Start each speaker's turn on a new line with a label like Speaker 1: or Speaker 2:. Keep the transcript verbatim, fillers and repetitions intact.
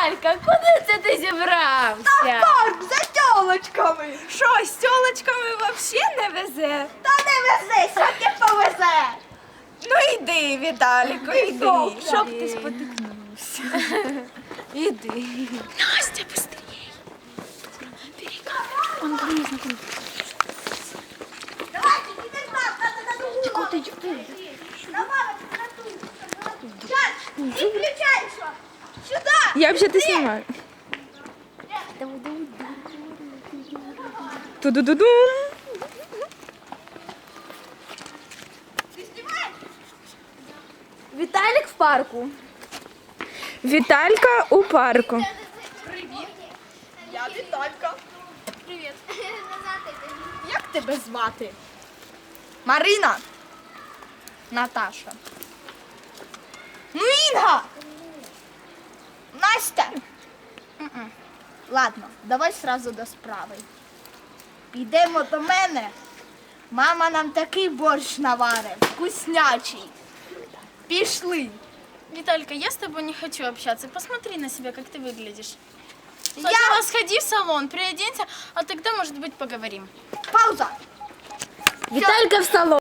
Speaker 1: Віталька, куди це ти зібрався?
Speaker 2: Парк за тёлочками.
Speaker 3: Що, з тьолочками взагалі не везе?
Speaker 2: Та не вези, сьогодні повезе.
Speaker 3: Ну йди, Віталіку, йди.
Speaker 2: Пішов,
Speaker 3: Щоб
Speaker 2: іди.
Speaker 3: ти спотикнувся. Іди. Настя, быстрее.
Speaker 1: Он ко мне знакомый.
Speaker 2: Давайте, іди з нас, надо на другу.
Speaker 1: Чего ты идешь?
Speaker 2: На мамочку, на ту. Сейчас, и включайся. Сюда.
Speaker 3: Я взагалі знімаю. Ту-ду-ду-дум.
Speaker 2: Ты снимаешь?
Speaker 1: Виталик в парку.
Speaker 3: Віталька у парку.
Speaker 2: Я Віталька.
Speaker 1: Привет.
Speaker 2: Як тебе звати? Марина. Наташа. Ну, Інга. Настя. М-м. Ладно, давай сразу до справи. Йдемо до мене. Мама нам такий борщ наварить, вкуснячий. Пішли.
Speaker 4: Виталька, я с тобой не хочу общаться. Посмотри на себя, как ты выглядишь.
Speaker 2: Я...
Speaker 4: Сначала сходи в салон, приоденься, а тогда, может быть, поговорим.
Speaker 2: Пауза.
Speaker 1: Виталька в салон.